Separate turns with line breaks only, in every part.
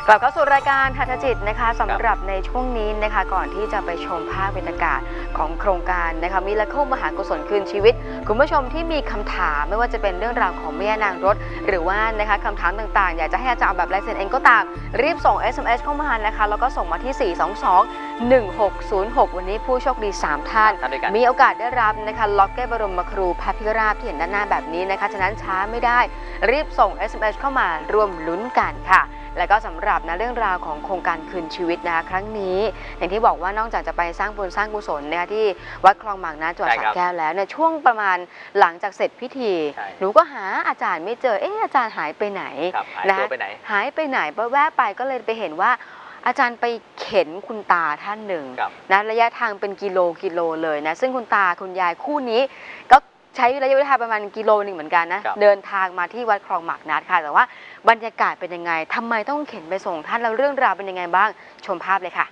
กลับเข้าสู่รายการหัตถจิตนะคะสำหรับในช่วงนี้นะคะก่อนที่จะไปชมภาพบรรยากาศของโครงการนะคะมิราเคิลมหากุศลคืนชีวิตคุณผู้ชมที่มีคำถามไม่ว่าจะเป็นเรื่องราวของแม่นางรถหรือว่านะคะคำถามต่างๆอยากจะให้อาจารย์แบบลายเซ็นเองก็ตามรีบส่ง SMS เข้ามานะคะแล้วก็ส่งมาที่ 422-1606 วันนี้ผู้โชคดี3ท่านมีโอกาสได้รับนะคะล็อกเก็ตบรมครูพระพิราบที่เห็นด้านหน้าแบบนี้นะคะฉะนั้นช้าไม่ได้รีบส่ง SMS เข้ามารวมลุ้นกันค่ะแล้วก็สำหรับเรื่องราวของโครงการคืนชีวิตนะคะครั้งนี้อย่างที่บอกว่านอกจากจะไปสร้างบุญสร้างกุศลนะคะที่วัดคลองหมากน้ำจังหวัดสระแก้วแล้วเนี่ยช่วงประมาณหลังจากเสร็จพิธีหนูก็หาอาจารย์ไม่เจออาจารย์หายไปไหนนะหายไปไหนแวะไปก็เลยไปเห็นว่าอาจารย์ไปเข็นคุณตาท่านหนึ่งนะระยะทางเป็นกิโลเลยนะซึ่งคุณตาคุณยายคู่นี้ก็ใช้ระยะเวลาประมาณกิโลนึงเหมือนกันนะเดินทางมาที่วัดคลองหมากน้ำค่ะแต่ว่าบรรยากาศเป็นยังไงทำไมต้องเข็นไปส่งท่านแล้วเรื่องราวเป็นยังไงบ้างชมภาพเลยค่ะ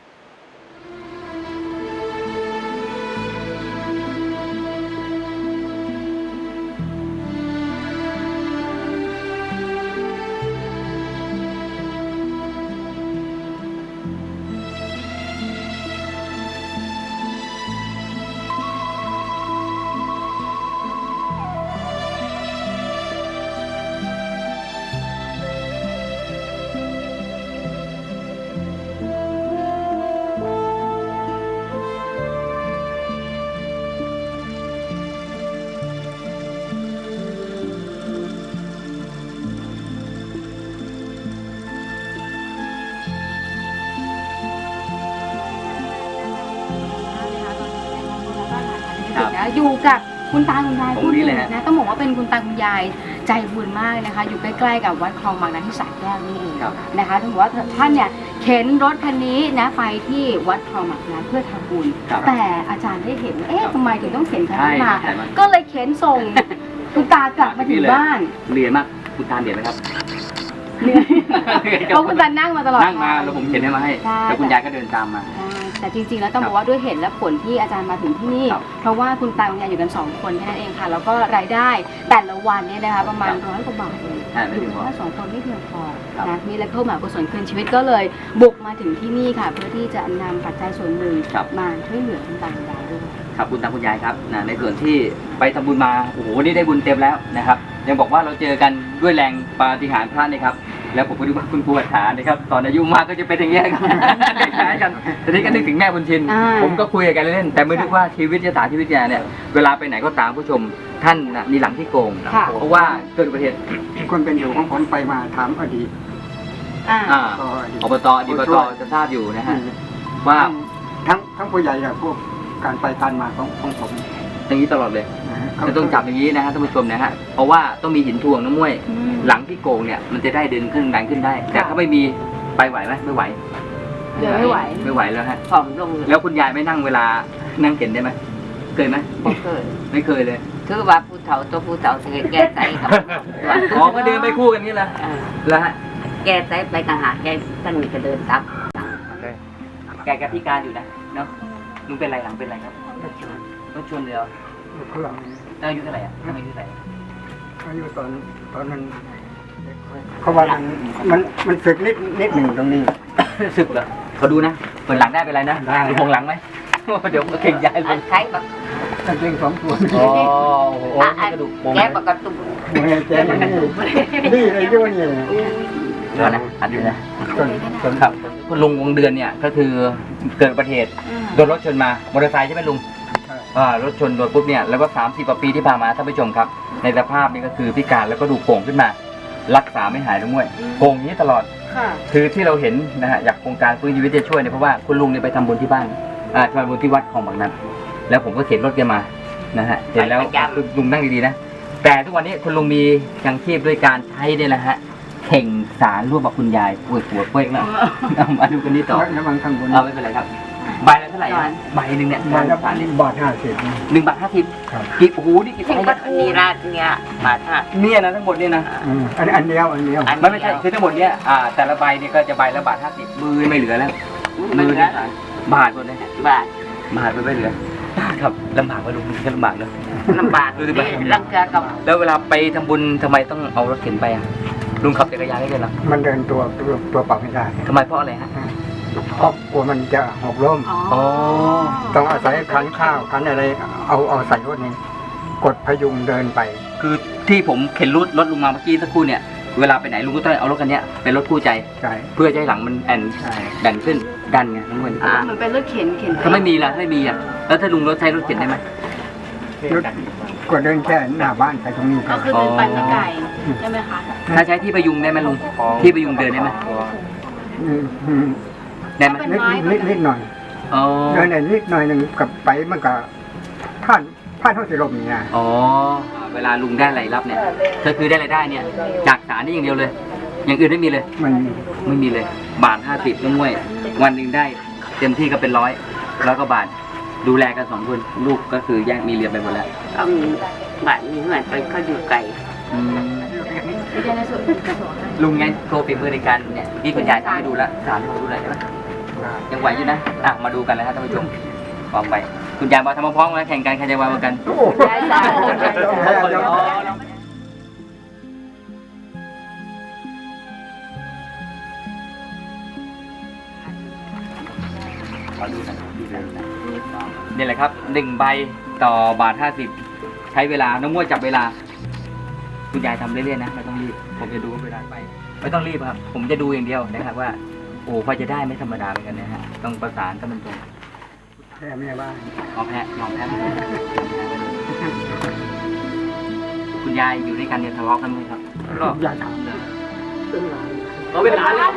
อยู่กับคุณตาคุณยายคู่หนึ่งนะต้องบอกว่าเป็นคุณตาคุณยายใจบุญมากนะคะอยู่ใกล้ๆกับวัดคลองบางนาที่สระแก้วนี่เองนะคะต้องบอกว่าท่านเนี่ยเข็นรถคันนี้นะไปที่วัดคลองบางนาเพื่อทำบุญแต่อาจารย์ได้เห็นทำไมถึงต้องเข็นคันนี้มาก็เลยเข็นส่งคุณตากลับมาถึงบ้าน
เรียนมากคุณตาเรียนไหมครับ
เพราะคุณตานั่งมาตลอด
นั่งมาแล้วผมเข็นให้มาให้แล้วคุณยายก็เดินตามมา
แต่จริงๆแล้วต้องบอกว่าด้วยเหตุและผลที่อาจารย์มาถึงที่นี่เพราะว่าคุณตาคุณยายอยู่กัน2คนแค่นั้นเองค่ะแล้วก็รายได้แต่ละวันเนี่ยนะคะประมาณ100 กว่าบาทเลยอยู่แค่2 คนไม่เพียงพอนะมีและเข้ามากุศลคืนชีวิตก็เลยบุกมาถึงที่นี่ค่ะเพื่อที่จะนำปัจจัยส่วนหนึ่งมาช่วยเหลือคุณตาคุณยายด้วย
ครับคุณตาคุณยายครับในส่วนที่ไปทำบุญมาโอ้โหนี่ได้บุญเต็มแล้วนะครับยังบอกว่าเราเจอกันด้วยแรงปาฏิหาริย์พระนะครับแล้วผมก็ดูว่าคุณครูอัฏฐานะครับตอนอายุมากก็จะเป็นอย่างนี้ครับคล้ายกันทีนี้ก็นึกถึงแม่บุญชินผมก็คุยกันเล่นแต่ไม่นึกว่าชีวิตชะตาชีวิตแกเนี่ยเวลาไปไหนก็ตามผู้ชมท่านมีหลังที่โกงเพราะว่าเกิดอุบัติเหตุ
คนเป็นอยู่ของผมไปมาถามอดีต
อบตจะทราบอยู่นะฮะว่า
ทั้งผู้ใหญ่กับพวกการไปการมาของผม
อย่างนี้ตลอดเลยจะต้องจับอย่างนี้นะฮะท่านผู้ชมนะฮะเพราะว่าต้องมีหินถ่วงน้ำม้วยหลังที่โกงเนี่ยมันจะได้ดึงขึ้นดันขึ้นได้แต่ถ้าไม่มีไปไหวไหมไม่ไหว
ไม่
ไหวแล้วฮะแล้วคุณยายไม่นั่งเวลานั่งเข็นได้ไหมเคยไหมไม่เคยเลย
คือว่าผู้เฒ่าตัวผู้เฒ่าจะแก้ไตครับ
อ๋อก็เดินไปคู่กันนี่แหละแล้วฮะ
แก้ไตไปต่างหากแก้ท่านมีก็เดินตาม
แกพิการอยู่นะเนาะลุงเป็นไรหลังเป็นไรครับรถชนเลยอายุเท่าไหร่อายุเท่าไหร่
อายุตอนนั้นเขาว่ามันสึกนิดหนึ่งตรงนี้
สึกเหรอเขาดูนะเปิดหลังได้เป็นไรนะดูพงหลังไหมเดี๋ยวเข่งย้ายเลย
ใช้แบบ
เข่ง2 ตัว
อ๋อโอ้กระดูกโป่ง
แก้ปกติ
แก้นี่ไอ้เจ้านี่
เดี๋ยวนะอันนี้นะส่วนครับคุณลุงวงเดือนเนี่ยก็คือเกิดอุบัติเหตุโดนรถชนมามอเตอร์ไซค์ใช่ไหมลุงรถชนโดนปุ๊บเนี่ยแล้วก็30 กว่าปีที่ผ่านมาท่านผู้ชมครับในสภาพนี้ก็คือพิการแล้วก็ดูโป่งขึ้นมารักษาไม่หายด้วยโป่งนี้ตลอดคือที่เราเห็นนะฮะอยากโครงการฟื้นชีวิตจะช่วยเนี่ยเพราะว่าคุณลุงเนี่ยไปทำบุญที่บ้านทำบุญที่วัดของบางนั้นแล้วผมก็เข็นรถแกมานะฮะเห็นแล้วลุงนั่งดีๆนะแต่ทุกวันนี้คุณลุงมียังชีพด้วยการใช้เนี่ยแหละฮะเข่งสารร่วมกับคุณยายปวดหัวเป้งแล้วมาดูกันนี้ต่อไม่เป็นไรครับใบละเท่าไหร่ใบหนึ่งเนี่ย
ใบละ1.50
1.50 บาทกี่โอ้โหนี่กี่
ไส้นี่ราดเนี่ยบาท5
เนี่ยนะทั้งหมดเนี่ยนะ
อันเดียว
ไม่ใช่คือทั้งหมดเนี่ยแต่ละใบเนี่ยก็จะใบละ1.50 มือไม่เหลือแล้วมือเนี่ยบาทหมดเลย
บาท
ไม่เหลือครับลำบากไหมลุงแค่ลำบากเนอะ
ลำบากดูดิไปรังเกียจกับ
แล้วเวลาไปทำบุญทำไมต้องเอารถเข็นไปลุงขับจักรยานได้เลยเหรอ
มันเดินตัวเปล่าไม่ได้
ทำไมเพราะอะไรฮะ
เพราะกลัวมันจะหกล้ม
อ๋อ
ต้องอาศัยคันข้าวคันอะไรเอาใส่รถนี้กดพยุงเดินไป
คือที่ผมเข็นรถลุงมาเมื่อกี้สักครู่เนี่ยเวลาไปไหนลุงก็ต้องเอารถคันเนี้ยเป็นรถคู่ใจ
ใช่
เพื่อจะให้หลังมันแอนแบนขึ้นดันไงน้องมัน
มันเป็นรถเข็นไป
ถ้าไม่มีล่ะไม่มีอ่ะแล้วถ้าลุงรถใช้รถเข็นได้ไหม
รถก็เดินแค่หน้าบ้านไปตรงนี้ค
ก็
รับ
คือเดินไปไม่ไกลใช่ไหมคะ
ถ้าใช้ที่พยุงได้ไหมลุงที่พยุงเดินได้ไหม
อืม
ได้ไหม
นิดหน่อย
อ๋อ
เดินนิดหน่อยหนึ่งกับไปมันก็ผ่านเท่าสิลมนี่นะ
อ๋อเวลาลุงได้รายรับเนี่ยก็คือได้รายได้เนี่ยจากสารนี่อย่างเดียวเลย อย่างอื่นไม่มีเลย
มัน
ไม่มีเลยบาท50น้องมวยวันหนึ่งได้เต็มที่ก็เป็น100ก็บาทดูแลกัน2 คนลูกก็คือแยกมีเรียนไปหมดแล้ว
ต้องบ้านนี้เหมือนไปเขาอยู่ไกล
ลุงไงโชว์ฝีมือในการเนี่ยพี่คุณยายทำให้ดูแล้วสามให้ผมดูหน่อยได้ไหมยังไหวอยู่นะมาดูกันเลยครับท่านผู้ชมพร้อมไปคุณยายมาทำพร้อมๆกันแข่งกันใครจะไวกว่ากัน นี่แหละครับ1 ใบต่อบาท50ใช้เวลาน้องมวยจับเวลาคุณยายทำเรื่อยๆนะไม่ต้องรีบผมจะดูเวลาไปไม่ต้องรีบครับผมจะดูอย่างเดียวนะครับว่าโอ้พอจะได้ไม่ธรรมดาเหมือนกันนะฮะต้องประสานกันตรง
แค่แม่บ้าน
ๆแพ้ยอมแพ้ไม่ได้คุณยายอยู่ด้วยกันเนี่ยทะเลาะกันไหมครับก็
อย่าทำเลยเป็นหลาน
เป็นหลานเลย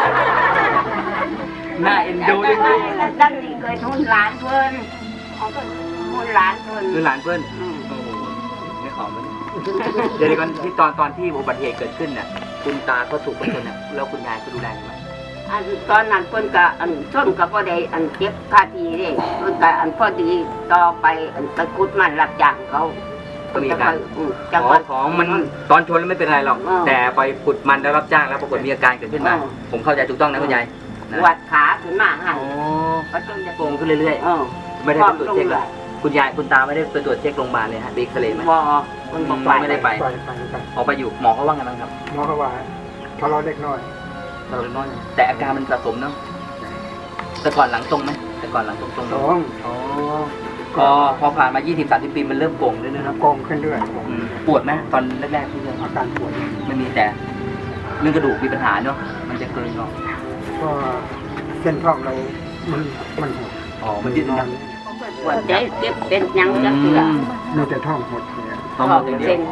น่าเอ็นดูด้วยนะ
ตั้งนี่เคยทุนร้านเพื่อนทุนร้านเพื่อน
คือหลานเพื่อนโอ้โหไม่ขอมันเดี๋ยวก่อนที่ตอนที่อุบัติเหตุเกิดขึ้นน่ะคุณตาก็ถูกรถชนน่ะแล้วคุณยายก็ดูแลใช่ไหม
อันตอนนั้นเพิ่นก็อันส้นก็บ่ได้อันเก็บค่าทีเด้เพิ่นก็อันพอดีต่อไปอันตะกุดมันรับจ้างเขา
ก็มีการ
จังหวัด
ของมันตอนชนแล้วไม่เป็นไรหรอก
อ่า
แต่ไปขุดมันแล้วรับจ้างแล้วปรากฏมีอาการเกิดขึ้นมา
อ่า
ผมเข้าใจถูกต้องนะคุณยายนะ
วัดขาขึ้นมาหัน
อ๋อ
ก็จนจะ
โกงขึ้นเรื่อย
เออ
ๆ ไม่ได้ไปตรวจเช็คเลยคุณยายคุณตาไม่ได้ไปตรวจเช็คโรงพยาบาลเลยฮะบิ๊กเลยไหม
บ่เพิ่นบ่ไป
ไม่ได้ไป
ไป
ออกไปอยู่หมอเขาว่าไงบ้างครับ
หมอเขาว่าทะเลาะเด็กน้อย
เราเล็กน้อยแต่อาการมันสะสมเนาะแต่ก่อนหลังตรงไหมแต่ก่อนหลังตรงๆ
ส
เนอะ
อง
อ๋อพอผ่านมา 20-30 ปีมันเริ่มโก่งเรื่อยๆเนาะ
โกงขึ้นเรื่อย
ปวดไหมตอนแรกๆที่เริ่ม
อาการปวด
ไม่มีแต่เรื่องกระดูกมีปัญหาเนาะมันจะเกินเนาะ
ก็เส้นท้องเรามันหด
อ๋อมันยืดนะ
ปวดใจเจ็บเป็นหยังจักเทื่อ
มีแต่ท้องหดเนี่ย
ต้องหมดอย่างเดียว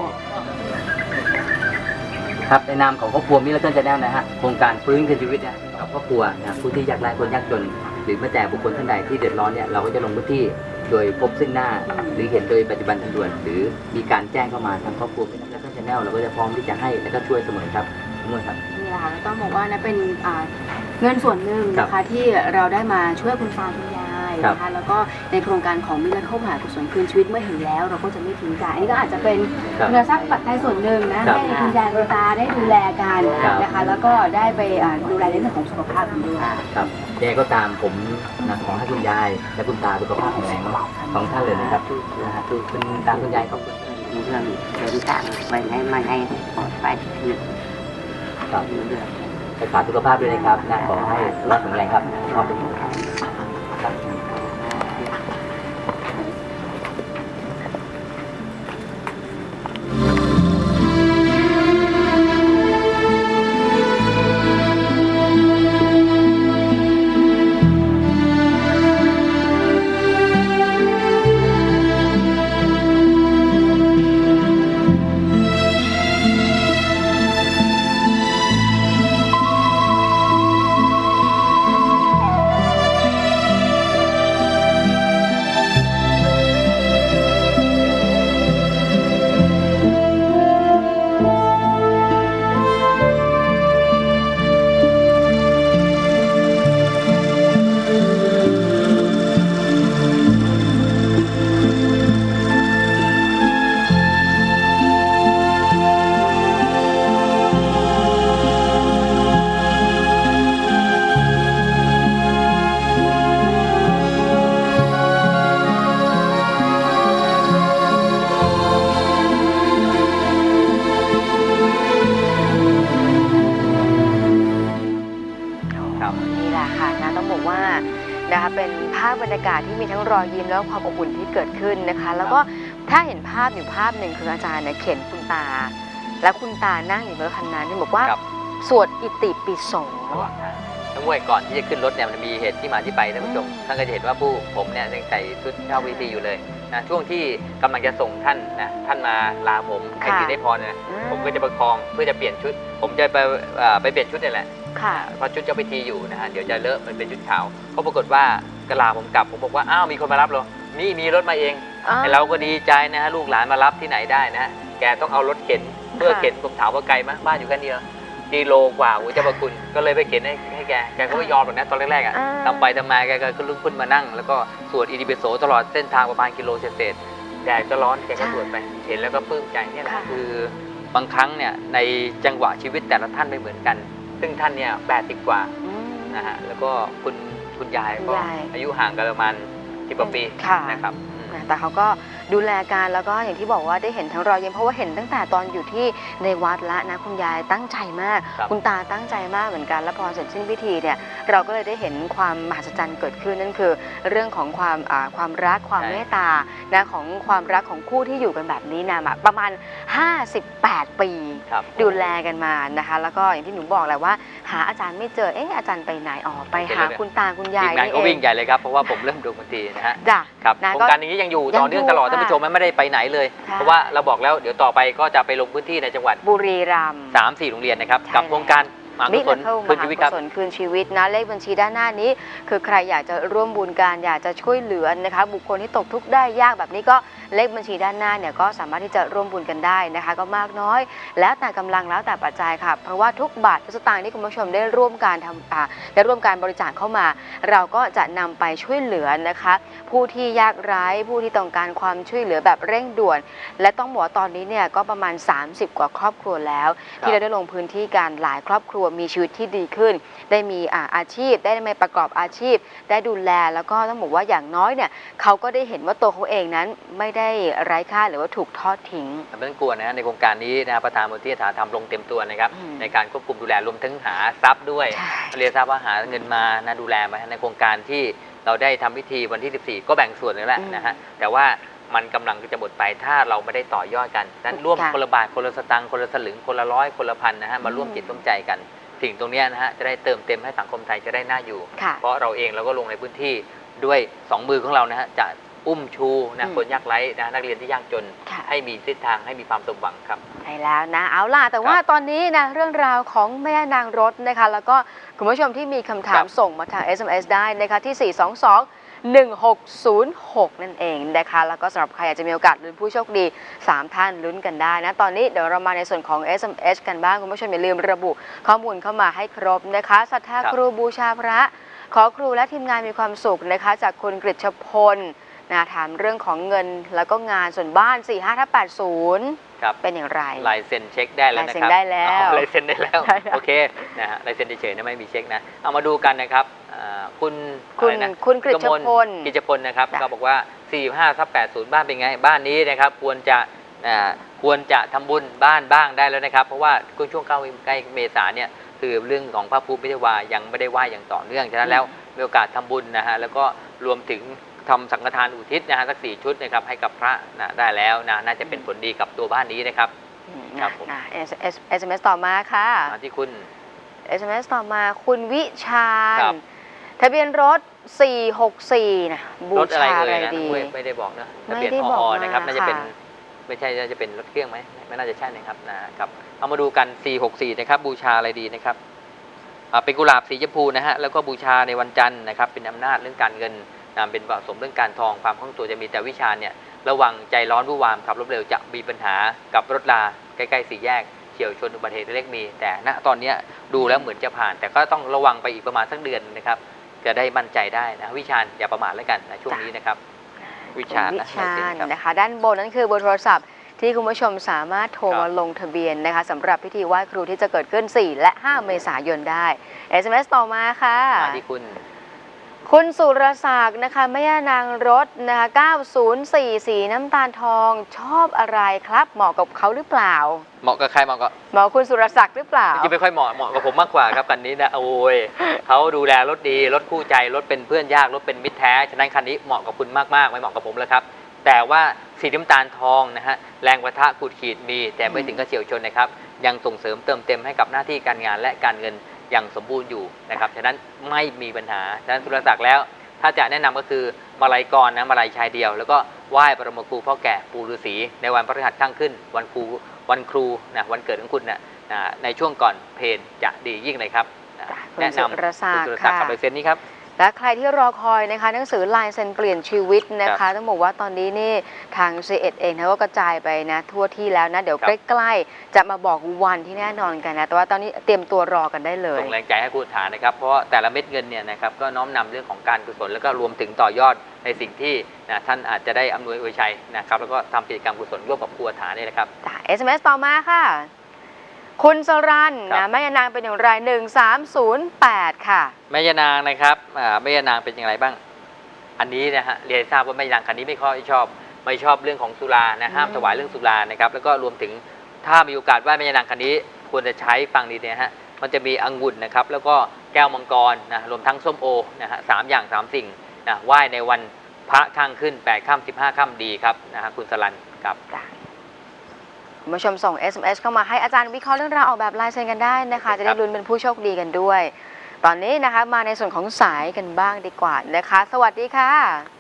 ครับในนามของครอบครัวมิลเลอร์ชาแนลนะฮะโครงการฟื้นคืนชีวิตเนี่ยกับครอบครัวนะผู้ที่ยากไร้คนยากจน หรือแม้แต่บุคคลท่านใดที่เดือดร้อนเนี่ยเราก็จะลงพื้นที่โดยพบซึ่งหน้า หรือเห็นโดยปัจจุบันทันด่วนหรือมีการแจ้งเข้ามาทางครอบครัวมิลเลอร์ชาแนลเราก็จะพร้อมที่จะให้และก็ช่วยเสมอครับเมื่อครับ
นี่แหละค่ะต้องบอกว่านะเป็นเงินส่วนหนึ่งนะคะที่เราได้มาช่วยคุณตาคุณยายนะคะแล้วก็ในโครงการของมิลเลอร์เข้ามหากุศลคืนชีวิตเมื่อเห็นแล้วเราก็จะไม่ทิ้งกันอันนี้ก็อาจจะเป็นเงินทรัพย์ปัจจัยส่วนหนึ่งนะให้คุณยายคุณตาได้ดูแลกันนะคะแล้วก็ได้ไปดูแลในเรื่องของสุขภาพกันด้วย
ครับยังไงก็ตามผมนะขอให้คุณยายและคุณตาสุขภาพแข็งแรงสองท่านเลยนะครับนะฮะคือคุณตาคุณยายขอบคุณ
เรื่องเดินทางไปไหนมาไหนปลอดภัยคือ
ครับรักษาสุขภาพด้วยนะครับนะขอให้สุขภาพแข็งแรงครับขอบคุณครับ
เป็นภาพบรรยากาศที่มีทั้งรอยยิ้มแล้วความอบอุ่นที่เกิดขึ้นนะคะ แล้วก็ถ้าเห็นภาพอยู่ภาพหนึ่งคืออาจารย์เนี่ยเข็นคุณตา และคุณตานั่งอยู่บนรถคันนั้นที่บอกว่า
ครับ
สวดอิติปิโส
ทั้งมวยก่อนที่จะขึ้นรถเนี่ยมันมีเหตุที่มาที่ไปท่านผู้ชมท่านก็จะเห็นว่าผมเนี่ยยังใส่ชุดเข้าพิธีอยู่เลยนะช่วงที่กำลังจะส่งท่านนะท่านมาลาผมให้ถือได้พรเนี่ยผมก็จะประคองเพื่อจะเปลี่ยนชุด ผมจะไปเปลี่ยนชุดนี่แหละ
ค่ะ
เพราะชุดเจ้าพิธีอยู่นะฮะเดี๋ยวจะเลอะมันเป็นชุดขาวก็ปรากฏว่ากลาผมกลับผมบอกว่าอ้าวมีคนมารับเหรอมีรถมาเองไอ้เราก็ดีใจนะฮะลูกหลานมารับที่ไหนได้นะแกต้องเอารถเข็นเพื่อเข็นผมถามว่าไกลไหมบ้านอยู่แค่นี้กิโลกว่าเจ้าพระคุณก็เลยไปเข็นให้แกก็ไม่ยอมหรอกนะตอนแรกๆอ่ะทำไปทำมาแกก็ขึ้นมานั่งแล้วก็สวดอิติปิโสตลอดเส้นทางประมาณกิโลเศษแดดก็ร้อนแกก็สวดไปเห็นแล้วก็ปลื้มใจเนี่ยแหละคือบางครั้งเนี่ยในจังหวะชีวิตแต่ละท่านไม่เหมือนกันซึ่งท่านเนี่ย80 กว่านะฮะแล้วก็คุณยายก็อายุห่างกันประมาณ10 กว่าปีนะครับ
แต่เขาก็ดูแลกันแล้วก็อย่างที่บอกว่าได้เห็นทั้งรอยยิ้มเพราะว่าเห็นตั้งแต่ตอนอยู่ที่ในวัดแล้วนะคุณยายตั้งใจมากคุณตาตั้งใจมากเหมือนกันแล้วพอเสร็จสิ้นพิธีเนี่ยเราก็เลยได้เห็นความมหัศจรรย์เกิดขึ้นนั่นคือเรื่องของความรักความเมตตานะของความรักของคู่ที่อยู่กันแบบนี้นะประมาณ58 ปีดูแลกันมานะคะแล้วก็อย่างที่หนูบอกแหละว่าหาอาจารย์ไม่เจออาจารย์ไปไหนไปหาคุณตาคุณยายนี่เอง
ก็วิ่งใหญ่เลยครับเพราะว่าผมเริ่มดูดนตรีนะฮะ
ครับ
โครงการนี้ยังอยู่ต่อเนื่องตลอดท่านผู้ชมไม่ได้ไปไหนเลยเพราะว่าเราบอกแล้วเดี๋ยวต่อไปก็จะไปลงพื้นที่ในจังหวัด
บุรีรัมย์
3-4 โรงเรียนนะครับกับโครงการมหากุศลคืนชีวิตครับ
คืนชีวิตนะเลขบัญชีด้านหน้านี้คือใครอยากจะร่วมบุญการอยากจะช่วยเหลือนะคะบุคคลที่ตกทุกข์ได้ยากแบบนี้ก็เลขบัญชีด้านหน้าเนี่ยก็สามารถที่จะร่วมบุญกันได้นะคะก็มากน้อยแล้วแต่กำลังแล้วแต่ปัจจัยค่ะเพราะว่าทุกบาททุกสตางค์ที่คุณผู้ชมได้ร่วมการบริจาคเข้ามาเราก็จะนำไปช่วยเหลือนะคะผู้ที่ยากไร้ผู้ที่ต้องการความช่วยเหลือแบบเร่งด่วนและต้องบอกว่าตอนนี้เนี่ยก็ประมาณ30 กว่าครอบครัวแล้วที่เราได้ลงพื้นที่กันหลายครอบครัวมีชีวิตที่ดีขึ้นได้มีอาชีพได้มาประกอบอาชีพได้ดูแลแล้วก็ต้องบอกว่าอย่างน้อยเนี่ยเขาก็ได้เห็นว่าตัวเขาเองนั้นไม่ได้ไร้ค่าหรือว่าถูกทอดทิ้ง
ไม่ต้องกลัวนะในโครงการนี้นะประธานมูลที่ฐานทำลงเต็มตัวนะครับในการควบคุมดูแลรวมทั้งหาทรัพย์ด้วยเรียกทรัพย์ว่าหาเงินมานะดูแลมาในโครงการที่เราได้ทำพิธีวันที่14ก็แบ่งส่วนนึงแล้วนะฮะแต่ว่ามันกำลังจะหมดไปถ้าเราไม่ได้ต่อยอดกันนั้นร่วมคนละบาทคนละสตางค์คนละสลึงคนละ100คนละพันนะฮะมาร่วมจิตร่วมใจกันสิ่งตรงนี้นะฮะจะได้เติมเต็มให้สังคมไทยจะได้น่าอยู่เพราะเราเองเราก็ลงในพื้นที่ด้วย2 มือของเรานะฮะจะอุ้มชูนะคนยากไร้นะนักเรียนที่ยากจนให้มีทิศทางให้มีความสมหวังครับ
ใช่แล้วนะเอาล่ะแต่ว่าตอนนี้นะเรื่องราวของแม่นางรถนะคะแล้วก็คุณผู้ชมที่มีคำถามส่งมาทาง SMS ได้นะคะที่422-1606นั่นเองนะคะแล้วก็สำหรับใครอยากจะมีโอกาสลุ้นผู้โชคดี3 ท่านลุ้นกันได้นะตอนนี้เดี๋ยวเรามาในส่วนของ SMS กันบ้างคุณผู้ชมอย่าลืมระบุข้อมูลเข้ามาให้ครบนะคะศรัทธาครูบูชาพระขอครูและทีมงานมีความสุขนะคะจากคุณกฤษพลนะถามเรื่องของเงินแล้วก็งานส่วนบ้าน 45/80เป็นอย่างไร
ลายเซ็นเช็คได้แล้วนะครับ
ลายเซ็นได้แล้ว
ลายเซ็นได้แล้วโอเคนะฮะลายเซ็นเฉยๆนะไม่มีเช็คนะเอามาดูกันนะครับ
คุณกฤษพล
นะครับก็บอกว่า 45/80บ้านเป็นไงบ้านนี้นะครับควรจะทำบุญบ้านบ้างได้แล้วนะครับเพราะว่าช่วงใกล้เมษาเนี่ยคือเรื่องของพระภูมิพิธีวายังไม่ได้ไหว้อย่างต่อเนื่องฉะนั้นแล้วมีโอกาสทำบุญนะฮะแล้วก็รวมถึงทำสังฆทานอุทิศนะฮะสัก4 ชุดนะครับให้กับพระนะได้แล้วนะน่าจะเป็นผลดีกับตัวบ้านนี้นะครับ
ครับผมSMS ต่อมาค่ะ
ที่คุณ
SMS ต่อมาคุณวิชาญทะเบียนรถ464นะบูชาอะไรดี
ไม่ได้บอกนะทะเบียนพอนะครับน่าจะเป็นไม่ใช่น่าจะเป็นรถเครื่องไหมไม่น่าจะใช่นะครับนะครับเอามาดูกัน464นะครับบูชาอะไรดีนะครับเป็นกุหลาบสีชมพูนะฮะแล้วก็บูชาในวันจันทร์นะครับเป็นอำนาจเรื่องการเงินเป็นผสมเรื่องการทองความคล่องตัวจะมีแต่วิชาเนี่ยระวังใจร้อนวู่วามขับรถเร็วจะมีปัญหากับรถราใกล้ๆ4 แยกเฉี่ยวชนอุบัติเหตุเล็กมีแต่ณตอนนี้ดูแล้วเหมือนจะผ่านแต่ก็ต้องระวังไปอีกประมาณสักเดือนนะครับจะได้มั่นใจได้นะวิชาอย่าประมาทแล้วกันนะช่วงนี้นะครับวิชา
นะคะด้านบนนั้นคือเบอร์โทรศัพท์ที่คุณผู้ชมสามารถโทรมาลงทะเบียนนะคะสำหรับพิธีไหว้ครูที่จะเกิดขึ้น4 และ 5 เมษายนได้ SMS ต่อมาค่ะ
ที่คุณ
คุณสุรศักดิ์นะคะแม่ย่านางรถนะคะ904สีน้ำตาลทองชอบอะไรครับเหมาะกับเขาหรือเปล่า
เหมาะกับใครเหมาะกับ
เหมาะคุณสุรศักดิ์หรือเปล่า
จริงๆไม่ค่อยเหมาะกับผมมากกว่าครับคันนี้นะโอ้ยเขาดูแลรถดีรถคู่ใจรถเป็นเพื่อนยากรถเป็นมิตรแท้ฉะนั้นคันนี้เหมาะกับคุณมากๆไม่เหมาะกับผมแล้วครับแต่ว่าสีน้ำตาลทองนะฮะแรงประทะขูดขีดมีแต่ไม่ถึงกับเฉียวชนนะครับยังส่งเสริมเติมเต็มให้กับหน้าที่การงานและการเงินอย่างสมบูรณ์อยู่นะครับฉะนั้นไม่มีปัญหาฉะนั้นสุรศักดิ์แล้วถ้าจะแนะนำก็คือมาลัยกรนะมาลัยชายเดียวแล้วก็ไหว้บรมครูพ่อแก่ปู่ฤาษีในวันพฤหัสข้างขึ้นวันครูนะวันเกิดของคุณนะในช่วงก่อนเพลจะดียิ่งเลยครับแนะนำ
คุณสุรศักดิ์
คุณสุรศักดิ์กับลายเซ็นนี้ครับ
และใครที่รอคอยนะคะหนังสือลายเซ็นเปลี่ยนชีวิตนะคะต้องบอกว่าตอนนี้นี่ทาง C1 เองนะก็กระจายไปนะทั่วที่แล้วนะเดี๋ยวใกล้ๆจะมาบอกวันที่แน่นอนกันนะแต่ว่าตอนนี้เตรียมตัวรอกันได้เลย
ส่งแรงใจให้คุณฐานนะครับเพราะแต่ละเม็ดเงินเนี่ยนะครับก็น้อมนำเรื่องของการกุศลแล้วก็รวมถึงต่อยอดในสิ่งที่ท่านอาจจะได้อำนวยอวยชัยนะครับแล้วก็ทำกิจกรรมกุศลร่วมกับครูฐานนี่นะครับ
SMS ต่อมาค่ะคุณสรันนะแม่ยานางเป็นอย่างไร1308ค่ะ
แม่ยานางนะครับแม่ยานางเป็นอย่างไรบ้างอันนี้นะฮะเรียนทราบว่าแม่ยานางคันนี้ไม่ชอบเรื่องของสุรานะห้ามถวายเรื่องสุรานะครับแล้วก็รวมถึงถ้ามีโอกาสไหว้แม่ยานางคันนี้ควรจะใช้ฟังดีนะฮะมันจะมีองุ่นนะครับแล้วก็แก้วมังกรนะรวมทั้งส้มโอนะฮะ3 อย่าง 3 สิ่งนะไหว้ในวันพระข้างขึ้น8 ค่ำ15 ค่ำดีครับนะฮะคุณสรันครับ
คุณผู้ชมส่ง SMS เข้ามาให้อาจารย์วิเคราะห์เรื่องราวออกแบบลายเซ็นกันได้นะคะจะได้ลุ้นเป็นผู้โชคดีกันด้วย ตอนนี้นะคะมาในส่วนของสายกันบ้างดีกว่านะคะ สวัสดีค่ะ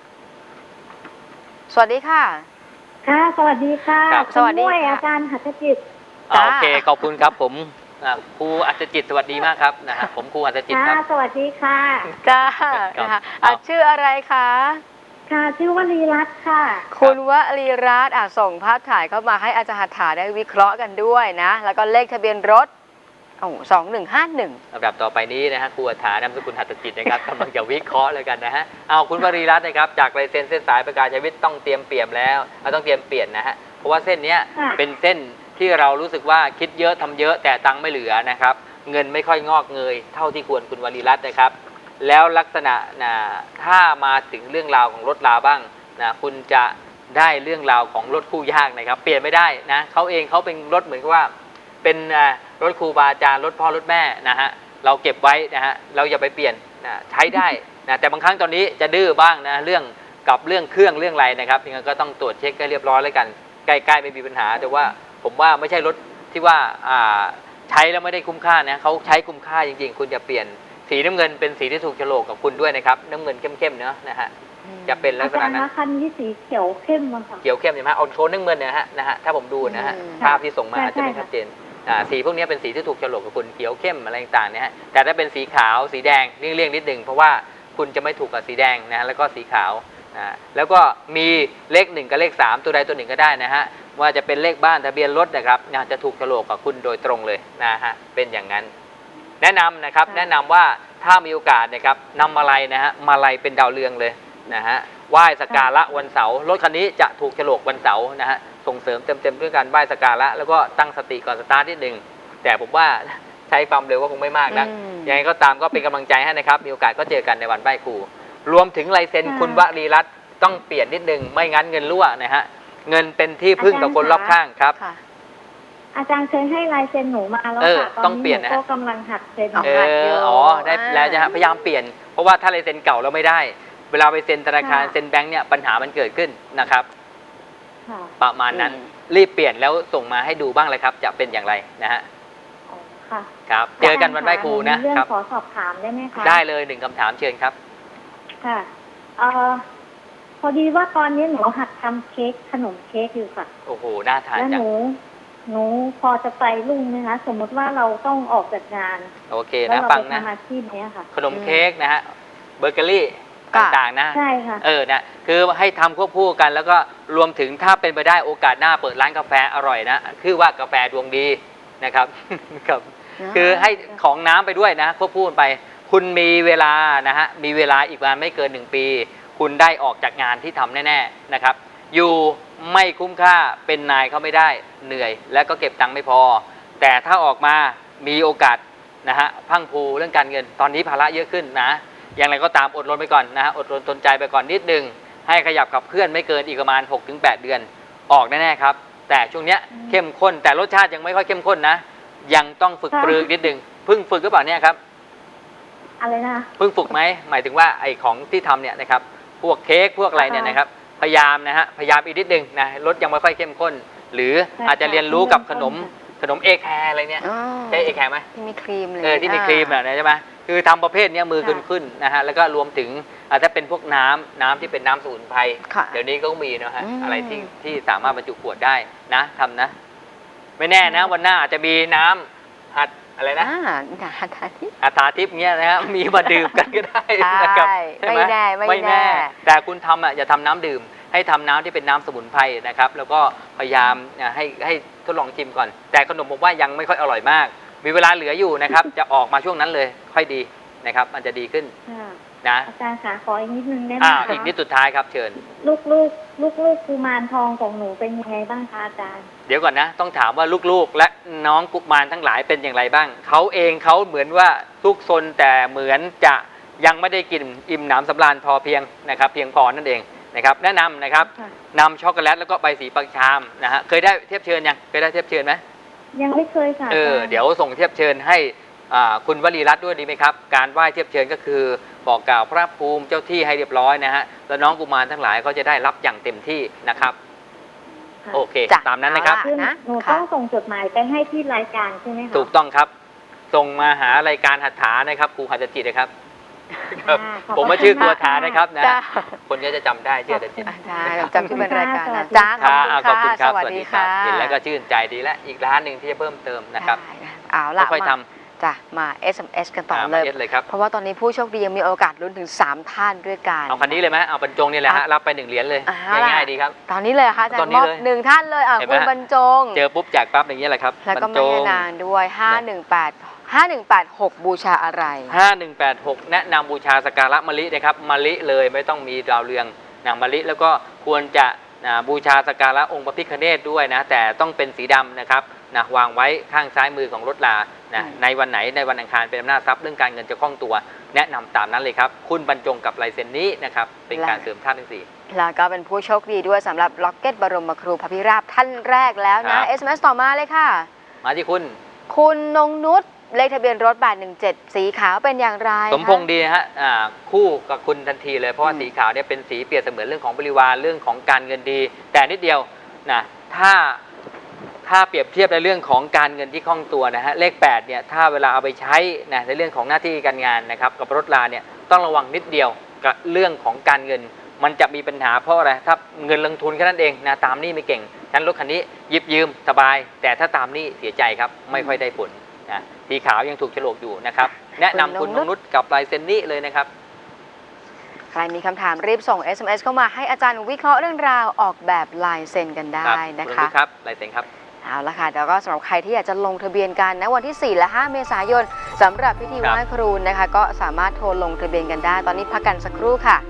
สวัสดีค่ะ
ค่ะสวัสดีค่ะ
สวัสดีค่ะ
อาจารย์หัตถจิต
โอเคขอบคุณครับผมครูอัศจิตสวัสดีมากครับนะฮะผมครูอัศจิตครับ
สวัสดีค่ะ
จ้านะคะชื่ออะไรคะ
ค่ะชื่อวลีรัตน์ค่ะ
คุณวลีรัตน์ส่งภาพถ่ายเข้ามาให้อาจารย์หัตถาได้วิเคราะห์กันด้วยนะแล้วก็เลขทะเบียนรถ2151
ลำดับต่อไปนี้นะฮะครูอัฏฐานามสกุลหัตถจิตนะครับกำลังจะวิเคราะห์เลยกันนะฮะเอาคุณวลีรัตน์นะครับจากลายเซ็นเส้นสายประกาศชีวิตต้องเตรียมเปลี่ยนแล้วต้องเตรียมเปลี่ยนนะฮะเพราะว่าเส้นนี้เป็นเส้นที่เรารู้สึกว่าคิดเยอะทำเยอะแต่ตังค์ไม่เหลือนะครับเงินไม่ค่อยงอกเงยเท่าที่ควรคุณวลีรัตน์นะครับแล้วลักษณะถ้ามาถึงเรื่องราวของรถราบ้างนะคุณจะได้เรื่องราวของรถคู่ยากนะครับเปลี่ยนไม่ได้นะเขาเป็นรถเหมือนกับว่าเป็นรถครูบาอาจารย์รถพ่อรถแม่นะฮะเราเก็บไว้นะฮะเราอย่าไปเปลี่ยนนะใช้ได้นะแต่บางครั้งตอนนี้จะดื้อบ้างนะเรื่องเครื่องเรื่องอะไรนะครับยังไงก็ต้องตรวจเช็คให้เรียบร้อยแล้วกันใกล้ๆไม่มีปัญหาแต่ว่าผมว่าไม่ใช่รถที่ว่าใช้แล้วไม่ได้คุ้มค่านะเขาใช้คุ้มค่าจริงๆคุณจะเปลี่ยนสีน้ำเงินเป็นสีที่ถูกโฉลกกับคุณด้วยนะครับน้ำเงินเข้มๆเนาะนะฮะจะเป็นลักษณะนั้น
คันนี้สีเขียวเข้มค่ะ
เขียวเข้มใช่ไหมเอาโชว์น้ำเงินนะฮะถ้าผมดูนะฮะภาพที่ส่งมาอาจจะไม่ชัดเจนสีพวกนี้เป็นสีที่ถูกโฉลกกับคุณเขียวเข้มอะไรต่างๆเนี่ยฮะแต่ถ้าเป็นสีขาวสีแดงเลี่ยงนิดหนึ่งเพราะว่าคุณจะไม่ถูกกับสีแดงนะแล้วก็สีขาวแล้วก็มีเลข1กับเลข3ตัวใดตัวหนึ่งก็ได้นะฮะว่าจะเป็นเลขบ้านทะเบียนรถนะครับจะถูกโฉลกกับคุณโดยตรงเลยนะฮะเป็นอย่างนั้นแนะนำนะครับแนะนำว่าถ้ามีโอกาสนะครับนำมาลัยนะฮะมาลัยเป็นดาวเรืองเลยนะฮะไหว้สักการะวันเสาร์รถคันนี้จะถูกโฉลกวันเสาร์นะฮะส่งเสริมเต็มด้วยการไหว้สักการะแล้วก็ตั้งสติก่อนสตาร์ทนิดนึงแต่ผมว่าใช้ความเร็วก็คงไม่มากนะยังไงก็ตามก็เป็นกำลังใจให้นะครับมีโอกาสก็เจอกันในวันไหว้ครูรวมถึงลายเซ็นคุณวลีรัตน์ต้องเปลี่ยนนิดนึงไม่งั้นเงินรั่วนะฮะเงินเป็นที่พึ่งกับคนรอบข้างครับ
อาจารย์เคยให้ลายเซ็นหนูมาแล้วค่ะตอนนี้หนูก็กำลังหัดเซ็น
ได้แล้วจะพยายามเปลี่ยนเพราะว่าถ้าลายเซ็นเก่าแล้วไม่ได้เวลาไปเซ็นธนาคารเซ็นแบงค์เนี่ยปัญหามันเกิดขึ้นนะครับประมาณนั้นรีบเปลี่ยนแล้วส่งมาให้ดูบ้างเลยครับจะเป็นอย่างไรนะฮะครับเจอกันวันไหว้ครูนะครับ
ขอสอบถามได้ไหมคะ
ได้เลย1 คำถามเชิญครับ
ค่ะพอดีว่าตอนนี้หนูหัดทำเค้กขนมเค้กอยู่ค่ะ
โอ้โหน่าทานจัง
แล้วหนูพอจะไปรุ่งนะคะสมมติว่าเราต้องออกจากงาน
โอเคนะฟังนะ
อาชีพนี้ค่ะ
ขนมเค้กนะฮะเบเกอรี่ต่างๆนะ
ใช่ค่ะ
นะคือให้ทำควบคู่กันแล้วก็รวมถึงถ้าเป็นไปได้โอกาสหน้าเปิดร้านกาแฟอร่อยนะคือว่ากาแฟดวงดีนะครับครับคือให้ของน้ำไปด้วยนะควบคู่กันไปคุณมีเวลานะฮะมีเวลาอีกประมาณไม่เกิน1 ปีคุณได้ออกจากงานที่ทำแน่ๆนะครับอยู่ไม่คุ้มค่าเป็นนายเขาไม่ได้เหนื่อยและก็เก็บตังค์ไม่พอแต่ถ้าออกมามีโอกาสนะฮะพังผูเรื่องการเงินตอนนี้ภาระเยอะขึ้นนะอย่างไรก็ตามอดรนไปก่อนนะฮะอดรนทนใจไปก่อนนิดนึงให้ขยับขับเคลื่อนไม่เกินอีกประมาณ 6-8 เดือนออกแน่ๆครับแต่ช่วงเนี้ยเข้มข้นแต่รสชาติยังไม่ค่อยเข้มข้นนะยังต้องฝึกปรือนิดนึงเพิ่งฝึกหรือเปล่าเนี่ยครับ
อะไรนะ
เพิ่งฝึกไหมหมายถึงว่าไอ้ของที่ทำเนี่ยนะครับพวกเค้กพวกอะไรเนี่ยนะครับพยายามนะฮะพยายามอีกนิดนึงนะรสยังไม่ค่อยเข้มข้นหรืออาจจะเรียนรู้กับขนมเอแคร์อะไรเนี่ย
อ๋อ
ใช่เอแคร์ไหม
ที่มีครีมเลย
ที่มีครีมอ่ะใช่ไหมคือทำประเภทเนี้ยมือขึ้นนะฮะแล้วก็รวมถึงถ้าเป็นพวกน้ำที่เป็นน้ำสมุนไพร
ค่ะ
เดี๋ยวนี้ก็มีนะฮะ
อืม
อะไรที่สามารถบรรจุขวดได้นะทำนะ ไม่แน่นะวันหน้าอาจจะมีน้ำหัดอะไรนะ
หัตถาทิพย์
อาถาทิพย์เงี้ยนะครับมีมาดื่มกันก็ได้นะครับ
ใช่ไม่แน่ไม่แน่
แต่คุณทำอย่าทำน้ำดื่ม ให้ทำน้ำที่เป็นน้ำสมุนไพรนะครับ แล้วก็พยายามให้ทดลองชิมก่อน แต่ขนมผมว่ายังไม่ค่อยอร่อยมาก มีเวลาเหลืออยู่นะครับ จะออกมาช่วงนั้นเลยค่อยดีนะครับ มันจะดีขึ้น
ค่ะ
นะ
อาจารย์ขาขออีกนิดนึงได้ไหมคะ
อีกนิดสุดท้ายครับเชิญ
ลูกกุมารทองของหนูเป็นยังไงบ้างคะอาจารย์
เดี๋ยวก่อนนะต้องถามว่าลูกๆ และน้องกุมารทั้งหลายเป็นอย่างไรบ้างเขาเองเขาเหมือนว่าทุกซนแต่เหมือนจะยังไม่ได้กินอิ่มหนำสำราญพอเพียงนะครับเพียงพอนั่นเองนะครับแนะนำนะครับ
ค่ะ
นำช็อกโกแลตแล้วก็ใบสีปังชามนะฮะเคยได้เทียบเชิญยังเคยได้เทียบเชิญไหม
ยังไม่เคยค่ะอาจารย์
เดี๋ยวส่งเทียบเชิญให้คุณวลีรัตน์ด้วยดีไหมครับการไหว้เทียบเชิญก็คือบอกกล่าวพระภูมิเจ้าที่ให้เรียบร้อยนะฮะแล้วน้องกุมารทั้งหลายก็จะได้รับอย่างเต็มที่นะครับ
ค่ะ
โอเค
จ้ะ
ตามนั้นนะครับ
คือ
นะ
หนู
ค่ะ
ต้องส่งจดหมายไปให้ที่รายการใช่ไหมคะ
ถูกต้องครับ ส่งมาหารายการหัตถานะครับครูหัตถจิตนะครับ ครับ
ขอบ
ผม
พระ
ว่าชื่อ
ณ
ครูหัตถานะครับนะ
จ้า
คนก็จะจำได้ชื่อหัตถจิต
ใช่จำที่เป็นรายการนะ
ขอบคุณ
จ้า
ค่ะ
ขอบคุณครับ
สวัสดีค่ะ
เห็นแล้วก็ชื่นใจดีและอีกร้านหนึ่งที่จะเพิ่มเติมนะครับ
ได้เอาละ
ค่อยๆท
จ้ะมา SMS กันต่อ
มา
เลย
เอสเลยครับ
เพราะว่าตอนนี้ผู้โชคดียังมีโอกาสลุ้นถึง 3 ท่านด้วยกัน
เอาคันนี้เลยไหมเอาบรรจงนี่แหละฮะรับไป1 เหรียญเลย
เอาล่ะ
ง่ายๆดีครับ
ตอนนี้เลยเหรอค่ะอาจาร
ตอน
ย์
นี้
มอบ
เลย
1 ท่านเลย
เห็นไหม
คุณ
ฮะ
บรรจง
เจอปุ๊บแจกปั๊บอย่างนี้ยแหละครับ
แล้วก็
บรรจ
แม่
ง
นางด้วย 5186 บูชาอะไร
5186 แนะนำบูชาสกการะมะลินะครับมะลิเลยไม่ต้องมีดาวเรืองนางมะลิแล้วก็ควรจะบูชาสกการะองค์พระพิฆเนศด้วยนะแต่ต้องเป็นสีดำนะครับนะวางไว้ข้างซ้ายมือของรถลานะในวันไหนในวันอังคารเป็นอำนาจทรัพย์เรื่องการเงินจะคล่องตัว แนะนำตามนั้นเลยครับคุณบรรจงกับลายเซ็นนี้นะครับเป็นการเสริมธาตุทั้งสี่
แล้วก็เป็นผู้โชคดีด้วยสำหรับล็อกเก็ตบรมครูพระพิราบท่านแรกแล้ว
ครั
นะ
บ
SMS ต่อมาเลยค่ะ
มาที่คุณ
คุณนงนุชเลขทะเบียนรถ817 สีขาวเป็นอย่างไร
สมพงษ์ดีนะฮะคู่กับคุณทันทีเลยเพราะว่าสีขาวเนี่ยเป็นสีเปรียบเสมือนเรื่องของบริวารเรื่องของการเงินดี แต่นิดเดียวนะถ้าเปรียบเทียบในเรื่องของการเงินที่คล่องตัวนะฮะเลข8เนี่ยถ้าเวลาเอาไปใช้นะในเรื่องของหน้าที่การงานนะครับกับรถราเนี่ยต้องระวังนิดเดียวกับเรื่องของการเงิน มันจะมีปัญหาเพราะอะไรถ้าเงินลงทุนแค่นั้นเองนะตามหนี้ไม่เก่งฉะนั้นรถคันนี้หยิบยืมสบาย แต่ถ้าตามหนี้เสียใจครับไม่ค่อยได้ผลนะสีขาวยังถูกโฉลกอยู่นะครับแนะนำคุณนงนุชกับลายเซ็นนี้เลยนะครับ
ใครมีคำถามรีบส่ง SMS เข้ามาให้อาจารย์วิเคราะห์เรื่องราวออกแบบลายเซ็นกันได้นะ
คุณ
คะ
นงนุชครับลายเซ็นครับ
เอาละค่ะแล้วก็สำหรับใครที่อยากจะลงทะเบียนกันนะวันที่ 4 และ 5 เมษายนสำหรับพิธีไหว้ครูนะคะก็สามารถโทรลงทะเบียนกันได้ ตอนนี้พักกันสักครู่ค่ะ